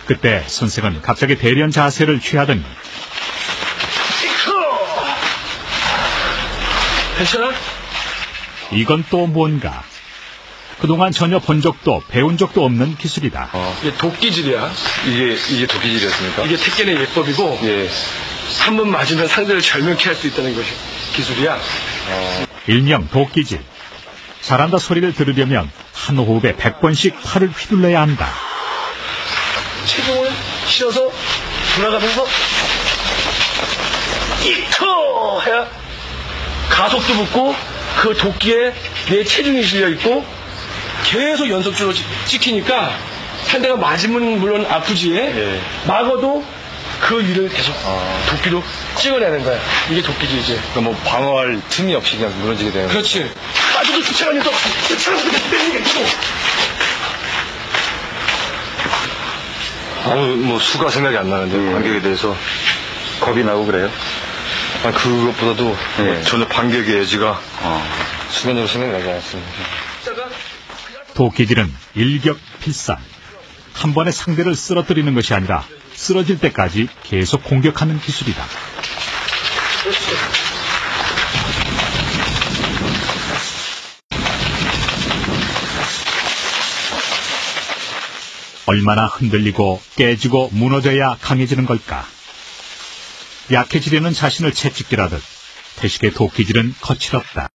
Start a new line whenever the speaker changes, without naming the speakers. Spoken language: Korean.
그때 선생은 갑자기 대련 자세를 취하더니
괜찮아?
이건 또 뭔가. 그동안 전혀 본 적도 배운 적도 없는 기술이다.
이게 도끼질이야.
이게 도끼질이었습니까?
이게 택견의 예법이고
예.
한 번 맞으면 상대를 절명케 할 수 있다는 것이 기술이야.
일명 도끼질. 잘한다 소리를 들으려면 한 호흡에 100번씩 팔을 휘둘러야 한다.
체중을 실어서 돌아가면서 이커 해야 가속도 붙고 그 도끼에 내 체중이 실려 있고 계속 연속적으로 찍히니까 상대가 맞으면 물론 아프지.
예.
막아도 그 위를 계속 도끼로 찍어내는 거야. 이게 도끼질이지.
그러니까 뭐 방어할 틈이 없이 그냥 무너지게 되는.
그렇지. 빠져도 쫓아가면서 빼는 게 있고.
뭐 수가 생각이 안 나는데 반격에 대해서
겁이 나고 그래요?
그것보다도
예.
전혀 반격의 여지가 순간적으로 생각이 나지 않았습니다.
도끼질은 일격필살. 한 번에 상대를 쓰러뜨리는 것이 아니라 쓰러질 때까지 계속 공격하는 기술이다. 얼마나 흔들리고 깨지고 무너져야 강해지는 걸까? 약해지려는 자신을 채찍질하듯 태식의 도끼질은 거칠었다.